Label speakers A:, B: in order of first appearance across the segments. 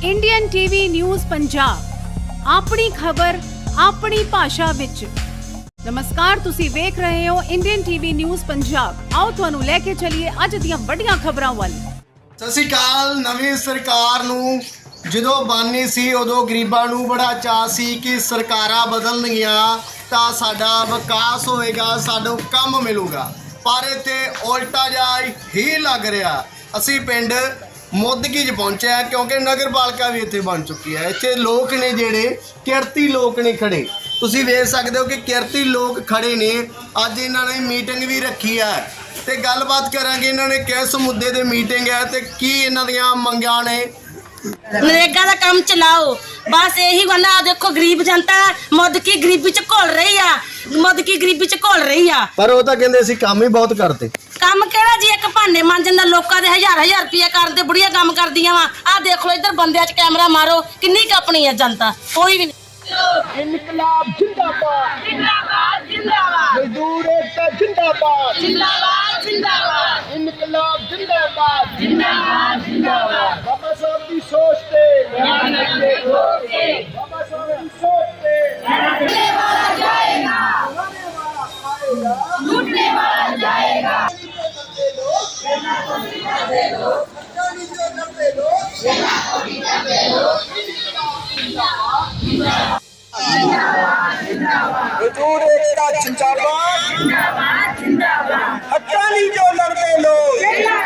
A: Indian TV news Punjab अपनी खबर अपनी भाषा विच। नमस्कार, तुसी वेख रहे हो इंडियन टीवी न्यूज़ पंजाब। आओ तुहानू लेके चलिए अज दियां वड्डियां खबरां वाल।
B: सत श्री अकाल। नवीं सरकार नूं ਜਦੋਂ ਬਾਨੀ ਸੀ ਉਦੋਂ ਗਰੀਬਾਂ ਨੂੰ ਬੜਾ ਚਾਅ ਸੀ ਕਿ ਸਰਕਾਰਾਂ ਬਦਲਣਗੀਆਂ ਤਾਂ ਸਾਡਾ ਵਿਕਾਸ ਹੋਏਗਾ, ਸਾਨੂੰ ਕੰਮ ਮਿਲੂਗਾ। ਪਰ ਇੱਥੇ ਉਲਟਾ ਜਿਹਾ ਹੀ ਲੱਗ ਰਿਹਾ। ਅਸੀਂ ਪਿੰਡ ਮੁੱਦਕੀ 'ਚ ਪਹੁੰਚੇ ਹਾਂ ਕਿਉਂਕਿ ਨਗਰਪਾਲਿਕਾ ਵੀ ਇੱਥੇ ਬਣ ਚੁੱਕੀ ਹੈ। ਇੱਥੇ ਲੋਕ ਨੇ ਜਿਹੜੇ ਕਿਰਤੀ ਲੋਕ ਨੇ ਖੜੇ, ਤੁਸੀਂ ਵੇਖ ਸਕਦੇ ਹੋ ਕਿ ਕਿਰਤੀ ਲੋਕ ਖੜੇ ਨੇ। ਅੱਜ ਇਹਨਾਂ ਨੇ ਮੀਟਿੰਗ ਵੀ ਰੱਖੀ ਹੈ ਤੇ ਗੱਲਬਾਤ ਕਰਾਂਗੇ ਇਹਨਾਂ ਨੇ ਕਿਸ ਮੁੱਦੇ ਤੇ ਮੀਟਿੰਗ ਹੈ ਤੇ ਕੀ ਇਹਨਾਂ ਦੀਆਂ ਮੰਗਾਂ ਨੇ।
C: नरेगा का काम चलाओ, बस यही गल। देखो गरीब जनता मुद्दकी गरीबी च घुल रही है, मुद्दकी गरीबी च घुल रही है।
B: पर वो तो कहते ਅਸੀਂ ਕੰਮ ਹੀ ਬਹੁਤ ਕਰਦੇ।
C: काम केड़ा जी, एक भांडे मांजन दा लोकां दे हजार हजार रुपया करदे, बुढ़िया काम करदियां वा। आ देख लो इधर बंदियां च कैमरा मारो, किन्नी अपनी है जनता, कोई भी नहीं।
B: इनकलाब जिंदाबाद
C: जिंदाबाद जिंदाबाद,
B: मजदूर एकता जिंदाबाद
C: जिंदाबाद जिंदाबाद,
B: इनकलाब जिंदाबाद
C: जिंदाबाद जिंदाबाद।
B: बाबा साहब की सोच पे
C: लूटने
B: बाबा साहब की सोच पे
C: वाला जाएगा, लूटने वाला जाएगा।
B: मजदूर एकता जिंदाबाद हक्कानी जो लड़ते लोग,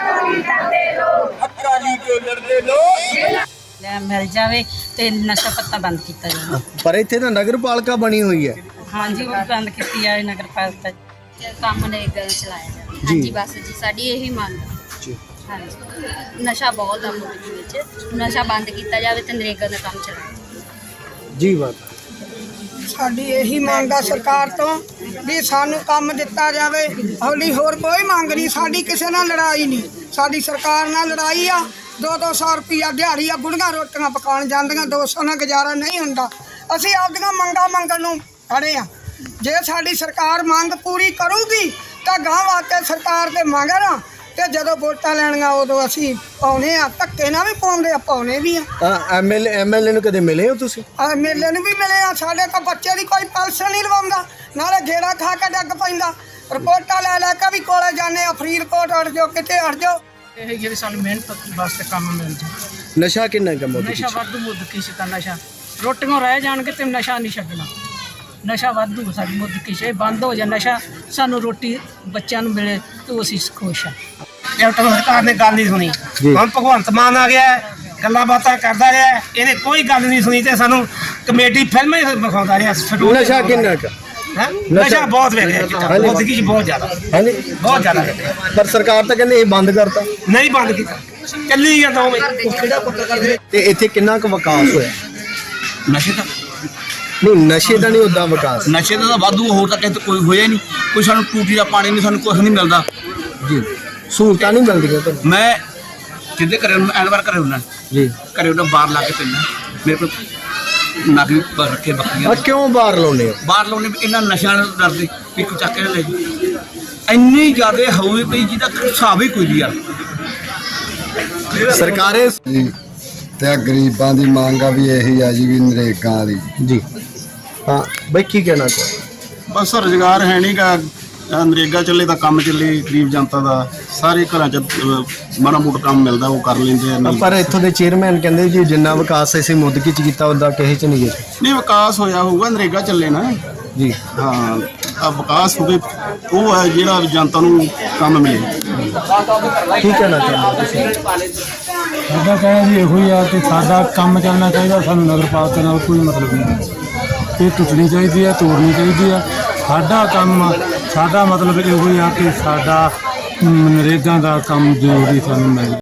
B: हक्कानी जो लड़ते लोग।
C: मिल जाए तो नशा पत्ता बंद किया जाए।
B: पर इत्थे ना नगरपालिका बनी हुई है।
C: हाँ जी, वो बंद की जाए नगर पालिका।
D: ਕੰਮ ਨਰੇਗਾ ਚਲਾਇਆ ਜਾਵੇ। ਹਾਂਜੀ ਬਸ ਜੀ, ਸਾਡੀ ਇਹੀ ਮੰਗ ਹੈ। ਹਾਂਜੀ, ਨਸ਼ਾ ਬਹੁਤ ਆ ਮੁਲਕ ਵਿੱਚ, ਨਸ਼ਾ ਬੰਦ ਕੀਤਾ ਜਾਵੇ ਤੇ ਨਰੇਗਾ ਦਾ ਕੰਮ ਚਲਾਇਆ
B: जी बात
E: ਸਾਡੀ ਇਹੀ ਮੰਗ ਆ ਸਰਕਾਰ ਤੋਂ ਵੀ ਸਾਨੂੰ ਕੰਮ ਦਿੱਤਾ ਜਾਵੇ। ਹੌਲੀ ਹੋਰ ਕੋਈ ਮੰਗ ਨਹੀਂ ਸਾਡੀ, ਕਿਸੇ ਨਾਲ ਲੜਾਈ ਨਹੀਂ ਸਾਡੀ, ਸਰਕਾਰ ਨਾਲ ਲੜਾਈ ਆ। 200 ਰੁਪਈਆ ਦਿਹਾੜੀ ਆ, ਬੁੜੀਆਂ ਰੋਟੀਆਂ ਪਕਾਉਣ ਜਾਂਦੀਆਂ, 200 ਨਾਲ ਗੁਜ਼ਾਰਾ ਨਹੀਂ ਹੁੰਦਾ। ਅਸੀਂ ਆਪਦੀਆਂ ਮੰਗਾਂ ਮੰਗਣ ਨੂੰ ਖੜੇ ਆ। ਜੇ ਸਾਡੀ ਸਰਕਾਰ ਮੰਗ ਪੂਰੀ ਕਰੂਗੀ ਤਾਂ ਗਾਂ ਵਾਸਤੇ ਸਰਕਾਰ ਦੇ ਮੰਗਣਾ ਤੇ ਜਦੋਂ ਵੋਟਾਂ ਲੈਣੀਆਂ ਉਦੋਂ ਅਸੀਂ ਪਾਉਣੇ ਆ। ਧੱਕੇ ਨਾਲ ਵੀ ਪਾਉਂਦੇ ਆ, ਪਾਉਣੇ ਵੀ ਆ।
B: ਐਮਐਲਏ ਨੂੰ ਕਦੇ ਮਿਲੇ ਹੋ ਤੁਸੀਂ?
E: ਮੇਲੇ ਨੂੰ ਵੀ ਮਿਲੇ ਆ। ਸਾਡੇ ਤਾਂ ਬੱਚੇ ਦੀ ਕੋਈ ਪੈਨਸ਼ਨ ਨਹੀਂ ਲਵਾਉਂਦਾ, ਨਾਲੇ ਗੇੜਾ ਖਾ ਕੇ ਡੱਗ ਪੈਂਦਾ। ਰਿਪੋਰਟਾਂ ਲੈ ਲੈ ਕੇ ਵੀ ਕੋਲੇ ਜਾਂਦੇ ਆ, ਫਰੀਦਕੋਟ ਅੜ ਜਾਓ, ਕਿਤੇ ਅੜ ਜਾਓ।
F: ਇਹ ਜਿਹੜੀ ਸਾਨੂੰ ਮਿਹਨਤ ਵਾਸਤੇ ਕੰਮ ਮਿਲ ਜਾਏ।
B: ਨਸ਼ਾ ਕਿੰਨਾ ਕੰਮ
F: ਨਸ਼ਾ ਵਾਧੂ ਮੁੱਦਕੀ ਸੀ ਤਾਂ ਨਸ਼ਾ ਰੋਟੀਆਂ ਰਹਿ ਜਾਣਗੇ ਤੇ ਨਸ਼ਾ ਨਹੀਂ ਛੱਡਣਾ। ਨਸ਼ਾ ਵਾਧੂ ਸਾਡੀ ਮੁੱਦਕੀ ਸੀ, ਬੰਦ ਹੋ ਜਾ ਨਸ਼ਾ, ਸਾਨੂੰ ਰੋਟੀ ਬੱਚਿਆਂ ਨੂੰ ਮਿਲੇ ਤਾਂ ਅਸੀਂ ਖੁਸ਼ ਹਾਂ।
G: ਕੈਪਟਨ ਸਰਕਾਰ ਨੇ ਗੱਲ ਨਹੀਂ ਸੁਣੀ। ਹੁਣ ਭਗਵੰਤ ਮਾਨ ਆ ਗਿਆ, ਗੱਲਾਂ ਬਾਤਾਂ ਕਰਦਾ ਰਿਹਾ, ਇਹਨੇ ਕੋਈ ਗੱਲ ਨਹੀਂ ਸੁਣੀ ਤੇ ਸਾਨੂੰ ਕਮੇਡੀ ਫਿਲਮਾਂ ਹੀ ਵਿਖਾਉਂਦਾ ਰਿਹਾ।
B: ਨਸ਼ਾ ਕਿੰਨਾ ਕੁ?
G: ਨਸ਼ਾ ਬਹੁਤ ਵੇਖ ਰਿਹਾ, ਮੁੱਦਕੀ 'ਚ ਬਹੁਤ ਜ਼ਿਆਦਾ,
B: ਹਾਂਜੀ
G: ਬਹੁਤ ਜ਼ਿਆਦਾ।
B: ਪਰ ਸਰਕਾਰ ਤਾਂ ਕਹਿੰਦੇ ਇਹ ਬੰਦ ਕਰਤਾ।
G: ਨਹੀਂ ਬੰਦ ਕੀਤਾ, ਚੱਲੀ ਜਾਂਦਾ ਉਵੇਂ।
B: ਤੇ ਇੱਥੇ ਕਿੰਨਾ ਕੁ ਵਿਕਾਸ ਹੋਇਆ?
H: ਨਸ਼ੇ ਦਾ
B: ਨਹੀਂ, ਨਸ਼ੇ ਦਾ ਨਹੀਂ ਉਦਾਂ ਵਿਕਾਸ।
H: ਨਸ਼ੇ ਦਾ ਤਾਂ ਵਾਧੂ, ਹੋਰ ਤਾਂ ਕਿਤੇ ਕੋਈ ਹੋਇਆ ਨਹੀਂ। ਕੋਈ ਸਾਨੂੰ ਟੂਟੀ ਦਾ ਪਾਣੀ ਨਹੀਂ, ਸਾਨੂੰ ਕੁਛ ਨਹੀਂ ਮਿਲਦਾ
B: ਜੀ। ਸਹੂਲਤਾਂ ਨਹੀਂ ਮਿਲਦੀਆਂ ਤੁਹਾਨੂੰ?
H: ਮੈਂ ਜਿੱਦੇ ਘਰੇ ਐਨਵਾਰ ਘਰੇ ਹੁੰਦਾ
B: ਜੀ,
H: ਘਰੇ ਉਹਨਾਂ ਬਾਹਰ ਲਾ ਕੇ ਪੈਂਦਾ। ਮੇਰੇ ਕੋਲ ਨਾਗਰੀ ਰੱਖੇ ਬੱਕਰੀਆਂ,
B: ਕਿਉਂ ਬਾਹਰ ਲਾਉਂਦੇ ਹੋ?
H: ਬਾਹਰ ਲਾਉਣੇ ਇਹਨਾਂ ਨਸ਼ਿਆਂ ਨਾਲ ਡਰਦੇ ਵੀ ਕੋਈ ਚੱਕ ਕੇ ਲੈ ਜੀ। ਇੰਨੀ ਜ਼ਿਆਦਾ ਹੋਵੇ ਪਈ ਜਿਹਦਾ ਹਿਸਾਬ ਹੀ ਕੋਈ ਨਹੀਂ ਯਾਰ।
B: ਸਰਕਾਰੇ
I: ਤੇ ਗਰੀਬਾਂ ਦੀ ਮੰਗ ਆ ਵੀ ਇਹੀ ਆ ਜੀ ਵੀ ਨਰੇਗਾ ਵਾਲੀ
B: ਜੀ। ਹਾਂ ਬਈ, ਕੀ ਕਹਿਣਾ ਚਾਹੁੰਦੇ?
J: ਬਸ ਰੁਜ਼ਗਾਰ ਹੈ ਨਹੀਂ ਗਾ, ਨਰੇਗਾ ਚੱਲੇ ਤਾਂ ਕੰਮ ਚੱਲੇ। ਗਰੀਬ ਜਨਤਾ ਦਾ ਸਾਰੇ ਘਰਾਂ 'ਚ ਮਾੜਾ ਮੋਟਾ ਕੰਮ ਮਿਲਦਾ, ਉਹ ਕਰ ਲੈਂਦੇ ਆ।
B: ਪਰ ਇੱਥੋਂ ਦੇ ਚੇਅਰਮੈਨ ਕਹਿੰਦੇ ਜੀ ਜਿੰਨਾ ਵਿਕਾਸ ਅਸੀਂ ਮੁੱਦਕੀ 'ਚ ਕੀਤਾ ਉਹਦਾ ਕਿਸੇ 'ਚ ਨਹੀਂ ਕੀਤਾ।
J: ਨਹੀਂ, ਵਿਕਾਸ ਹੋਇਆ ਹੋਊਗਾ, ਨਰੇਗਾ ਚੱਲੇ ਨਾ
B: ਜੀ।
J: ਹਾਂ, ਆ ਵਿਕਾਸ ਹੋਵੇ ਉਹ ਹੈ ਜਿਹੜਾ ਜਨਤਾ ਨੂੰ ਕੰਮ ਮਿਲੇ।
B: ਕੀ ਕਹਿਣਾ ਚਾਹੁੰਦੇ ਤੁਸੀਂ?
K: ਸਾਡਾ ਕਹਿਣਾ ਜੀ ਇਹੋ ਹੀ ਆ ਕਿ ਸਾਡਾ ਕੰਮ ਚੱਲਣਾ ਚਾਹੀਦਾ। ਸਾਨੂੰ ਨਗਰਪਾਲਿਕਾ ਨਾਲ ਕੋਈ ਮਤਲਬ ਨਹੀਂ। ਇਹ ਟੁੱਟਣੀ ਚਾਹੀਦੀ ਆ, ਤੋੜਨੀ ਚਾਹੀਦੀ ਆ। ਸਾਡਾ ਕੰਮ, ਸਾਡਾ ਮਤਲਬ ਇਹੋ ਹੀ ਆ ਕਿ ਸਾਡਾ ਨਰੇਗਾ ਦਾ ਕੰਮ ਜ਼ਰੂਰੀ ਸਾਨੂੰ ਮਿਲੇ।